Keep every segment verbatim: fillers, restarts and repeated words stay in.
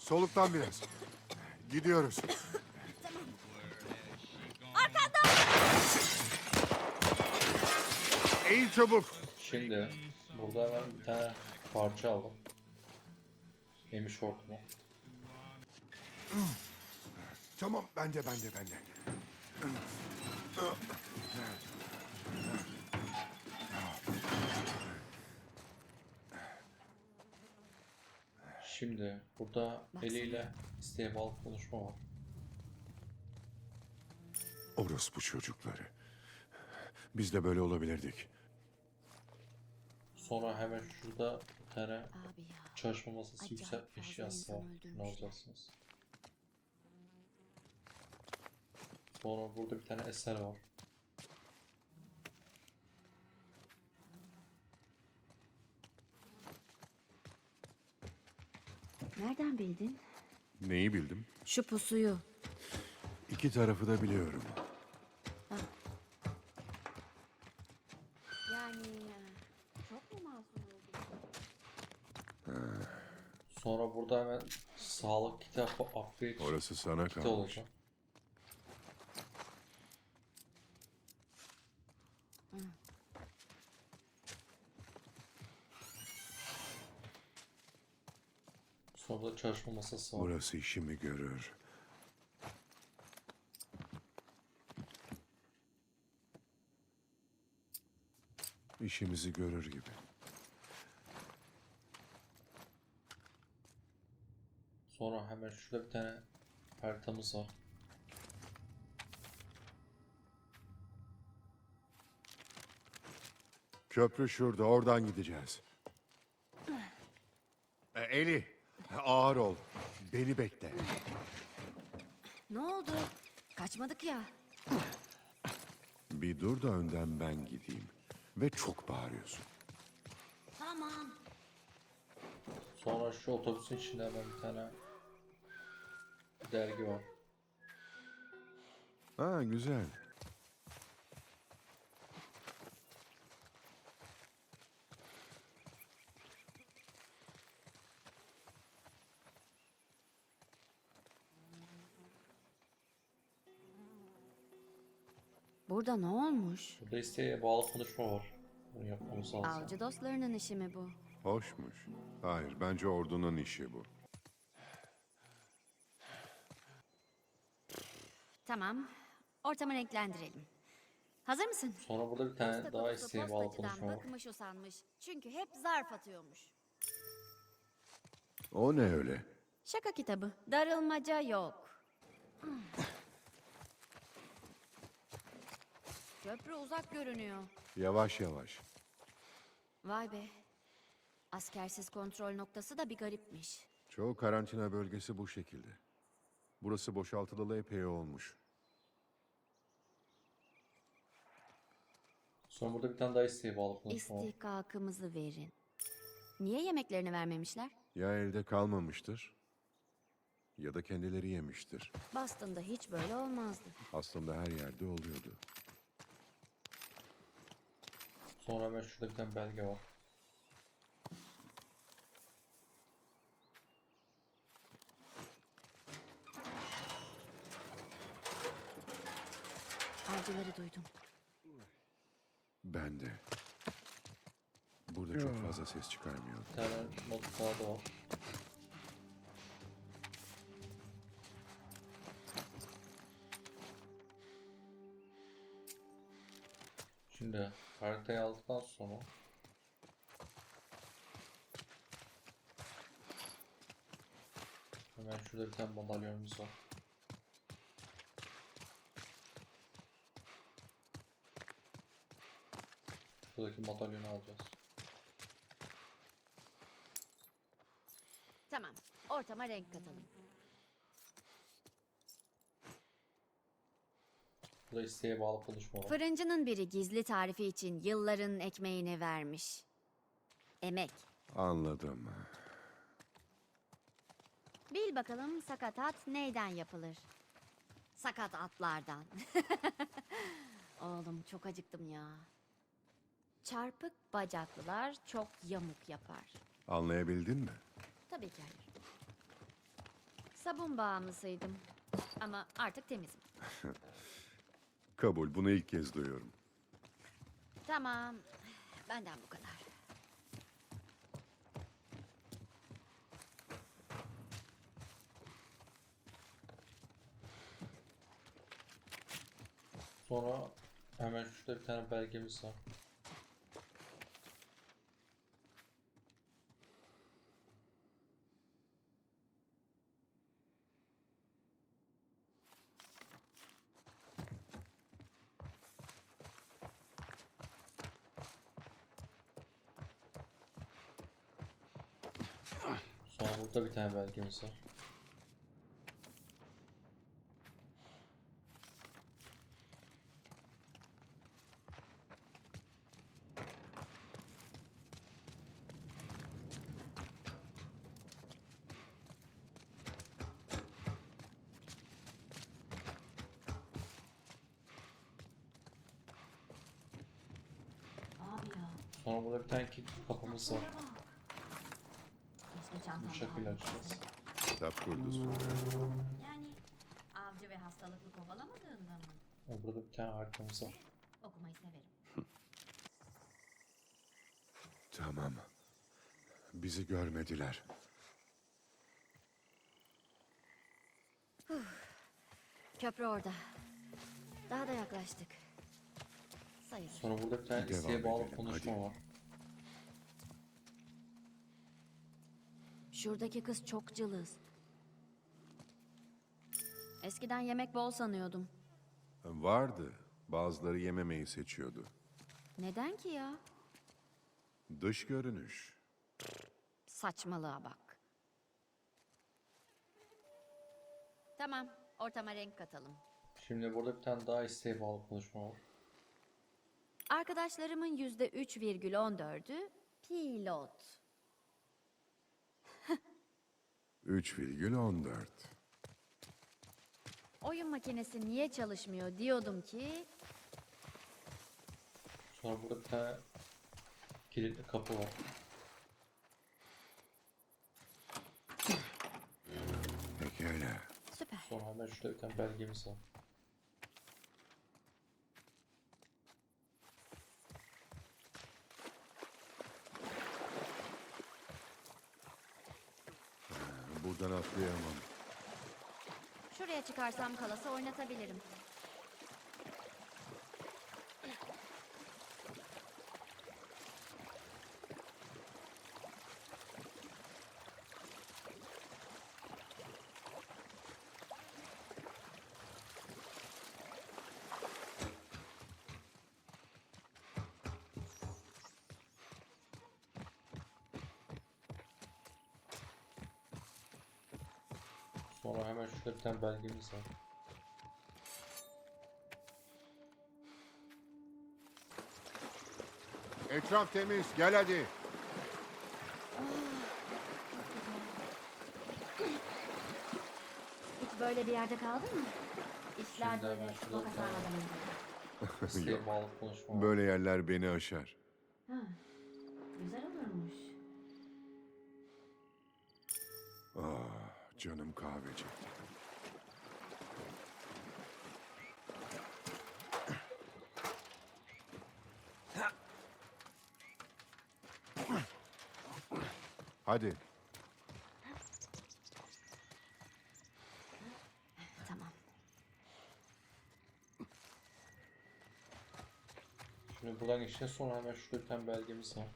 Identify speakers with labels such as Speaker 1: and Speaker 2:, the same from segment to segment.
Speaker 1: Soluklan biraz. Gidiyoruz.
Speaker 2: Arkanda!
Speaker 1: Eğil çabuk.
Speaker 3: Şimdi burada hemen bir tane parça aldım. Yemiş hortumu.
Speaker 1: Tamam, bende, bende, bende.
Speaker 3: Şimdi burada eliyle isteğe bağlı konuşma var.
Speaker 1: Orospu çocukları. Biz de böyle olabilirdik.
Speaker 3: Sonra hemen şurada bir tane
Speaker 2: Abi ya.
Speaker 3: çalışma masası
Speaker 2: Acayip
Speaker 3: yüksek
Speaker 2: fazla
Speaker 3: eşyası
Speaker 2: insan
Speaker 3: var. Ne
Speaker 2: öldürmüşler.
Speaker 3: alacaksınız? Sonra burada bir tane eser var.
Speaker 2: Nereden bildin?
Speaker 1: Neyi bildim?
Speaker 2: Şu pusuyu.
Speaker 1: İki tarafı da biliyorum.
Speaker 2: Yani çok mu masum oldun?
Speaker 3: Sonra burada hemen sağlık kitabı upgrade
Speaker 1: Orası sana
Speaker 3: kiti
Speaker 1: kalmış.
Speaker 3: olacak. Sonra da çalışma masası var.
Speaker 1: Burası işimi görür. İşimizi görür gibi.
Speaker 3: Sonra hemen şurada bir tane haritamız var.
Speaker 1: Köprü şurada, oradan gideceğiz. E, Eli, ağır ol. Beni bekle.
Speaker 2: Ne oldu? Kaçmadık ya.
Speaker 1: Bir dur da önden ben gideyim. Ve çok bağırıyorsun.
Speaker 2: Tamam.
Speaker 3: Sonra şu otobüsün içinde hemen bir tane dergi var.
Speaker 1: Ha, güzel.
Speaker 2: Burada ne olmuş?
Speaker 3: Burada isteğe bağlı konuşma var. Bunu yapmamız lazım.
Speaker 2: Avcı dostlarının işi mi bu?
Speaker 1: Hoşmuş. Hayır, bence ordunun işi bu.
Speaker 2: Tamam. Ortamı renklendirelim. Hazır mısın?
Speaker 3: Sonra burada bir tane
Speaker 2: Posta
Speaker 3: daha
Speaker 2: kutusu
Speaker 3: isteğe bağlı
Speaker 2: postacıdan
Speaker 3: konuşma var.
Speaker 2: bıkmış usanmış. Çünkü hep zarf atıyormuş.
Speaker 1: O ne öyle?
Speaker 2: Şaka kitabı. Darılmaca yok. Köprü uzak görünüyor.
Speaker 1: Yavaş yavaş.
Speaker 2: Vay be. Askersiz kontrol noktası da bir garipmiş.
Speaker 1: Çoğu karantina bölgesi bu şekilde. Burası boşaltılalı epey olmuş.
Speaker 3: Sonra burada bir tane daha isteğe bağlı konuşma var.
Speaker 2: İstihkakımızı verin. Niye yemeklerini vermemişler?
Speaker 1: Ya elde kalmamıştır ya da kendileri yemiştir.
Speaker 2: Boston'da hiç böyle olmazdı.
Speaker 1: Aslında her yerde oluyordu.
Speaker 3: Sonra hemen şurada bir tane belge var.
Speaker 2: Avcıları duydum.
Speaker 1: Ben de. Burada çok fazla ses çıkarmıyor.
Speaker 3: Bir tane not kağıdı var. Şimdi haritayı aldıktan sonra hemen şurada bir tane madalyonumuz var. Buradaki madalyonu alacağız.
Speaker 2: Tamam. Ortama renk katalım.
Speaker 3: Burada isteğe bağlı konuşma var.
Speaker 2: Fırıncının biri gizli tarifi için yılların ekmeğini vermiş. Emek.
Speaker 1: Anladım.
Speaker 2: Bil bakalım sakatat neyden yapılır? Sakat atlardan. Oğlum çok acıktım ya. Çarpık bacaklılar çok yamuk yapar.
Speaker 1: Anlayabildin mi?
Speaker 2: Tabii ki hayır. Sabun bağımlısıydım. Ama artık temizim.
Speaker 1: Kabul, bunu ilk kez duyuyorum.
Speaker 2: Tamam. Benden bu kadar.
Speaker 3: Sonra hemen şurada bir tane belgemiz var. Sonra burada bir tane belgemiz var. Sonra burada bir tane kilitli kapımız var. Bu şekilde açacağız.
Speaker 1: Kitap kurdusu.
Speaker 2: Yani avcı ve hastalıklı kovalamadığında mı?
Speaker 3: Sonra burada bir tane haritamız var.
Speaker 2: Okumayı severim.
Speaker 1: Tamam. Bizi görmediler.
Speaker 2: Köprü orada. Daha da yaklaştık. Sayılır.
Speaker 3: Sonra burada bir tane
Speaker 1: Devam
Speaker 3: isteğe bağlı
Speaker 1: edelim,
Speaker 3: konuşma
Speaker 1: hadi.
Speaker 3: var.
Speaker 2: Şuradaki kız çok cılız. Eskiden yemek bol sanıyordum.
Speaker 1: Vardı. Bazıları yememeyi seçiyordu.
Speaker 2: Neden ki ya?
Speaker 1: Dış görünüş.
Speaker 2: Saçmalığa bak. Tamam, ortama renk katalım.
Speaker 3: Şimdi burada bir tane daha isteğe bağlı konuşma var.
Speaker 2: Arkadaşlarımın yüzde üç virgül on dördü pilot.
Speaker 1: üç virgül on dört.
Speaker 2: Oyun makinesi niye çalışmıyor diyordum ki...
Speaker 3: Sonra burada bir tane kilitli kapı var.
Speaker 1: Pekala.
Speaker 2: Süper.
Speaker 3: Sonra hemen şurada bir tane belgemiz var.
Speaker 1: Buradan atlayamam.
Speaker 2: Şuraya çıkarsam kalası oynatabilirim.
Speaker 3: Sonra hemen şurada bir tane belgemiz var.
Speaker 1: Etraf temiz. Gel hadi.
Speaker 2: Hiç böyle bir yerde kaldın mı? İşler
Speaker 3: Şimdi
Speaker 2: böyle
Speaker 3: hemen şurada
Speaker 2: sokak
Speaker 3: bir tane-
Speaker 2: aradan önce.
Speaker 3: İsteğe
Speaker 1: Yok.
Speaker 3: bağlı konuşma var.
Speaker 1: Böyle yerler beni aşar.
Speaker 2: Ha, güzel olurmuş.
Speaker 1: Ah, canım kahve çekti. Hadi.
Speaker 2: Tamam.
Speaker 3: Şimdi buradan geçeceğiz. Sonra hemen şurada bir tane belgemiz var.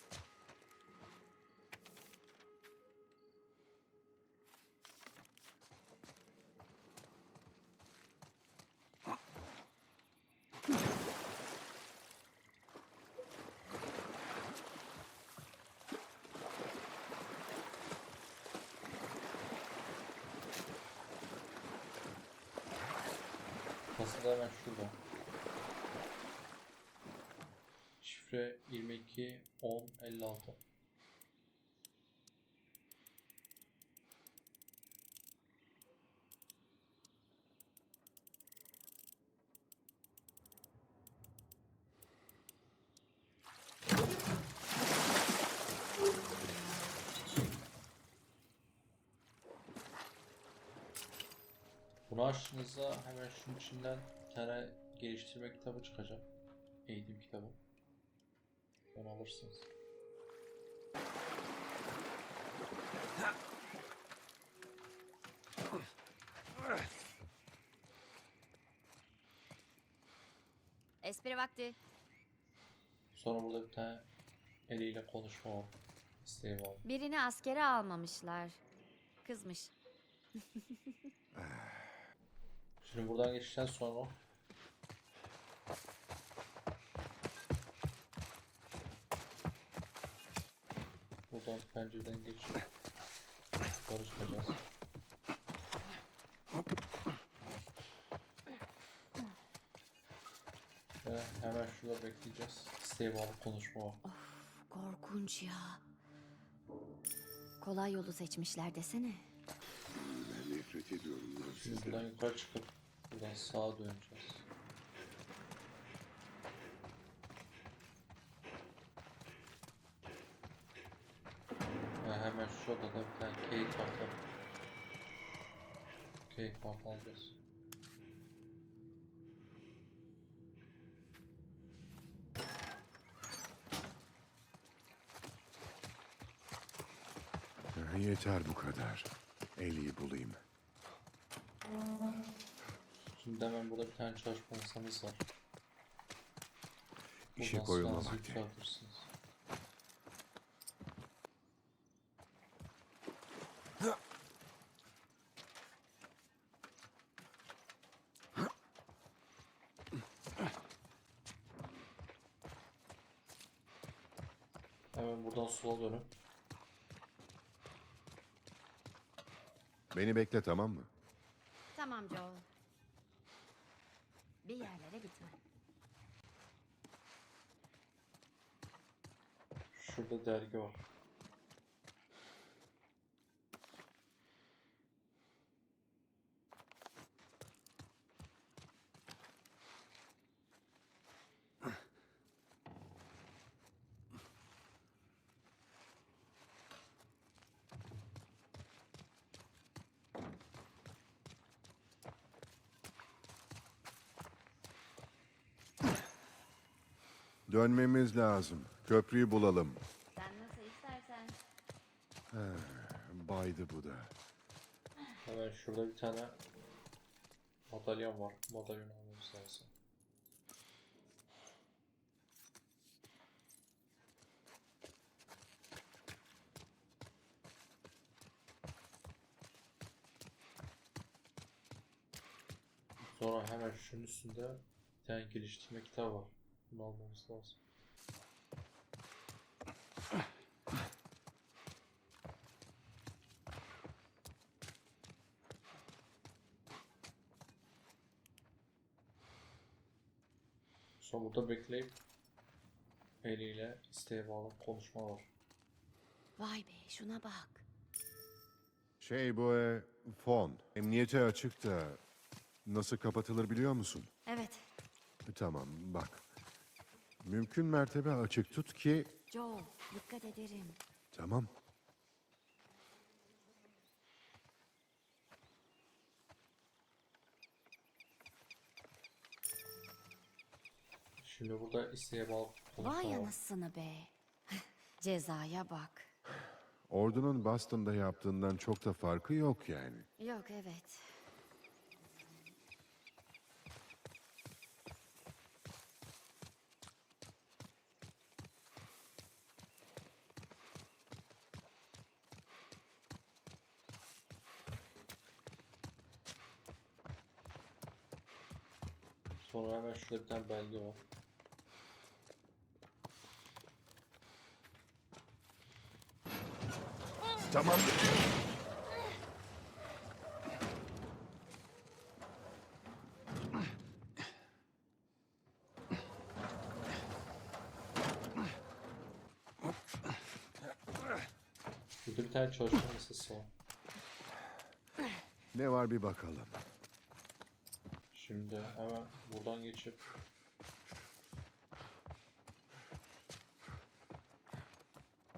Speaker 3: Kasada hemen şurada. Şifre yirmi iki on elli altı. Bunu açtığınızda hemen şunun içinden bir tane geliştirme kitabı çıkacak. Eğitim kitabı. Onu alırsınız.
Speaker 2: Espri vakti.
Speaker 3: Sonra burada bir tane eliyle konuşma var. İsteği var.
Speaker 2: Birini askere almamışlar. Kızmış.
Speaker 3: Şimdi buradan geçtikten sonra buradan pencereden geçip yukarı çıkacağız. Ve hemen şurada bekleyeceğiz. İsteği bağlı konuşma var.
Speaker 2: Korkunç ya. Kolay yolu seçmişler desene.
Speaker 1: Ben nefret ediyorum lan
Speaker 3: Şimdi
Speaker 1: sizden.
Speaker 3: buradan yukarı çıkıp buradan sağa döneceğiz. Ve hemen şurada da bir tane keyif kartı. Keyif kartı alacağız.
Speaker 1: Yeter bu kadar. Eli'yi bulayım.
Speaker 3: Şimdi hemen burada bir tane çalışma masamız var.
Speaker 1: İşe
Speaker 3: Buradan
Speaker 1: koyulma
Speaker 3: silahınızı
Speaker 1: vakti.
Speaker 3: yükseltirsiniz. Hemen buradan sola dönün.
Speaker 1: Beni bekle, tamam mı?
Speaker 2: Tamam Joel. Bir yerlere gitme.
Speaker 3: Şurada dergi var.
Speaker 1: Dönmemiz lazım. Köprüyü bulalım.
Speaker 2: Sen nasıl istersen.
Speaker 1: Baydı bu da.
Speaker 3: Hemen şurada bir tane madalyon var. Madalyon almamız lazım. Sonra hemen şunun üstünde bir tane geliştirme kitabı var. Bunu almamız lazım. Sonra burada bekleyip eliyle isteğe bağlı konuşma var.
Speaker 2: Vay be şuna bak.
Speaker 1: Şey bu e, fon. Emniyete açık da nasıl kapatılır biliyor musun?
Speaker 2: Evet.
Speaker 1: Tamam bak. Mümkün mertebe açık tut ki...
Speaker 2: Joel dikkat ederim.
Speaker 1: Tamam.
Speaker 3: Şimdi burada isteğe bağlı konuşma
Speaker 2: Vay
Speaker 3: var.
Speaker 2: anasını be. Cezaya bak.
Speaker 1: Ordunun Boston'da yaptığından çok da farkı yok yani.
Speaker 2: Yok evet.
Speaker 3: Sonra hemen şurada bir tane belge var.
Speaker 1: Tamam.
Speaker 3: Burada bir tane çalışma masası var.
Speaker 1: Ne var bir bakalım.
Speaker 3: Şimdi hemen buradan geçip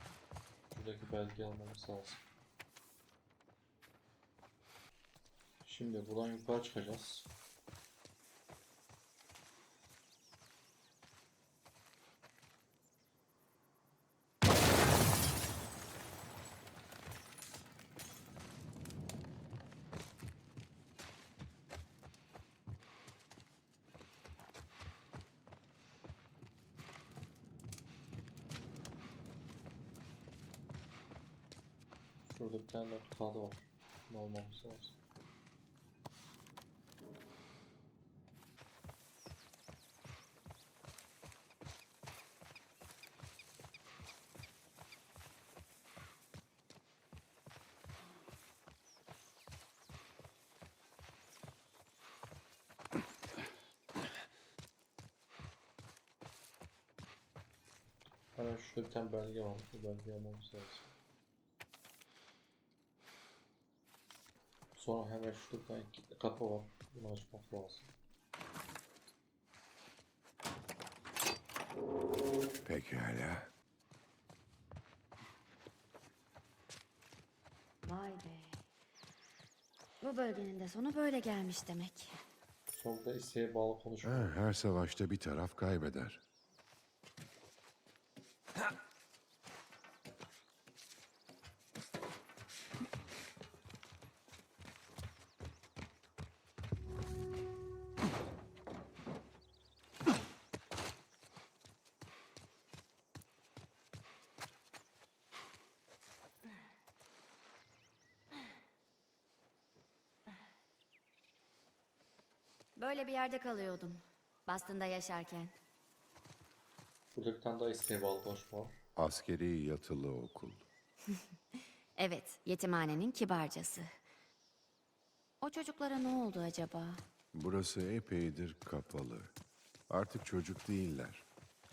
Speaker 3: şuradaki belgeyi almamız lazım. Şimdi buradan yukarı çıkacağız. Şurada bir tane kağıdı var. Ne olmamız lazım. Hemen şurada bir tane belge var. Bu belgeyi almamız lazım. Sonra hemen şurada bir tane kilitli kapı var. Bunu açmak lazım.
Speaker 1: Pekala.
Speaker 2: Vay be. Bu bölgenin de sonu böyle gelmiş demek.
Speaker 3: Sonra da isteğe bağlı konuşma.
Speaker 1: Ha, her savaşta bir taraf kaybeder.
Speaker 2: Böyle bir yerde kalıyordum. Boston'da yaşarken.
Speaker 3: Burada bir tane daha isteğe bağlı konuşma var.
Speaker 1: Askeri yatılı okul.
Speaker 2: Evet, yetimhanenin kibarcası. O çocuklara ne oldu acaba?
Speaker 1: Burası epeydir kapalı. Artık çocuk değiller.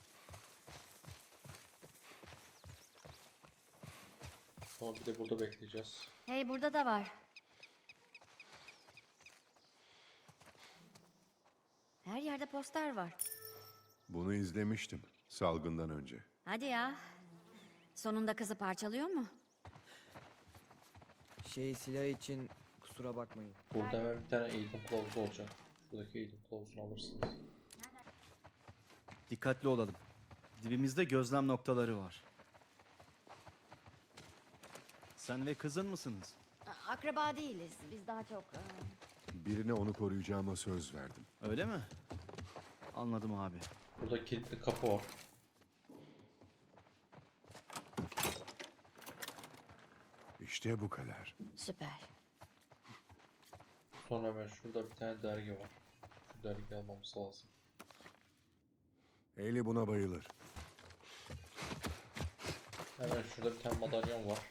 Speaker 3: Sonra bir de burada bekleyeceğiz.
Speaker 2: Hey, burada da var. Her yerde poster var.
Speaker 1: Bunu izlemiştim salgından önce.
Speaker 2: Hadi ya. Sonunda kızı parçalıyor mu?
Speaker 4: Şey silah için kusura bakmayın.
Speaker 3: Burada hemen bir tane eğitim kılavuzu olacak. Buradaki eğitim kılavuzunu alırsınız.
Speaker 5: Dikkatli olalım. Dibimizde gözlem noktaları var. Sen ve kızın mısınız?
Speaker 2: Akraba değiliz. Biz daha çok... e,
Speaker 1: Birine onu koruyacağıma söz verdim.
Speaker 5: Öyle mi? Anladım abi.
Speaker 3: Burada kilitli kapı var.
Speaker 1: İşte bu kadar.
Speaker 2: Süper.
Speaker 3: Sonra hemen şurada bir tane dergi var. Şu dergiyi almamız lazım.
Speaker 1: Eli buna bayılır.
Speaker 3: Hemen şurada bir tane madalyon var.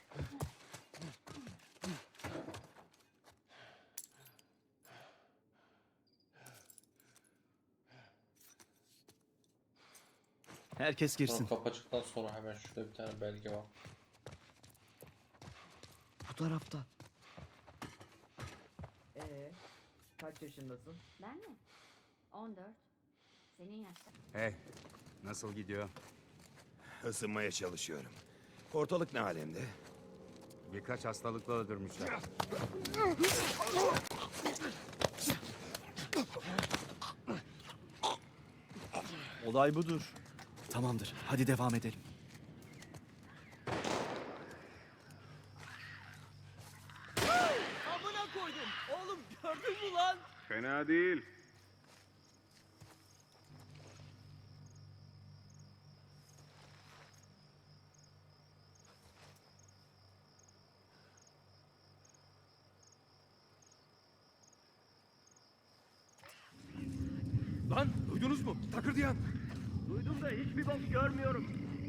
Speaker 5: Herkes
Speaker 3: Sonra
Speaker 5: girsin.
Speaker 3: kapı açıktan sonra hemen şurada bir tane belge var.
Speaker 4: Bu tarafta. Ee, kaç yaşındasın?
Speaker 2: Ben mi? on dört. Senin yaşta.
Speaker 6: Hey, nasıl gidiyor? Isınmaya çalışıyorum. Ortalık ne alemde? Birkaç hastalıkla öldürmüşler.
Speaker 5: Olay budur. Tamamdır. Hadi devam edelim.
Speaker 4: Amına koydum. Oğlum gördün mü lan?
Speaker 6: Fena değil. Lan duydunuz mu? Takırdayan.
Speaker 5: Duydum da hiçbir bok görmüyorum.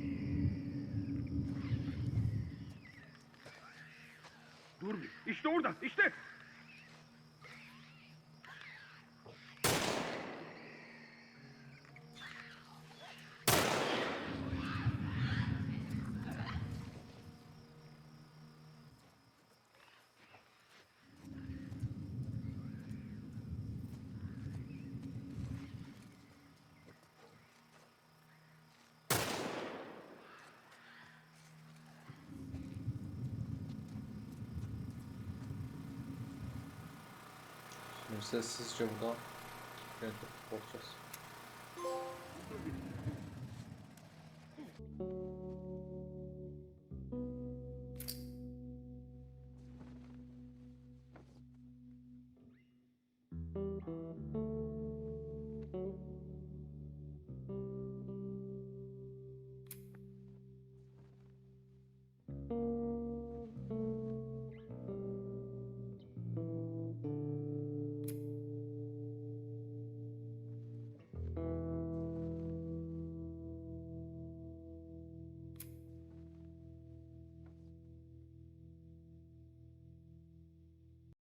Speaker 6: Dur bir. İşte orada. İşte.
Speaker 3: Şimdi sessizce buradan yönetip bakacağız.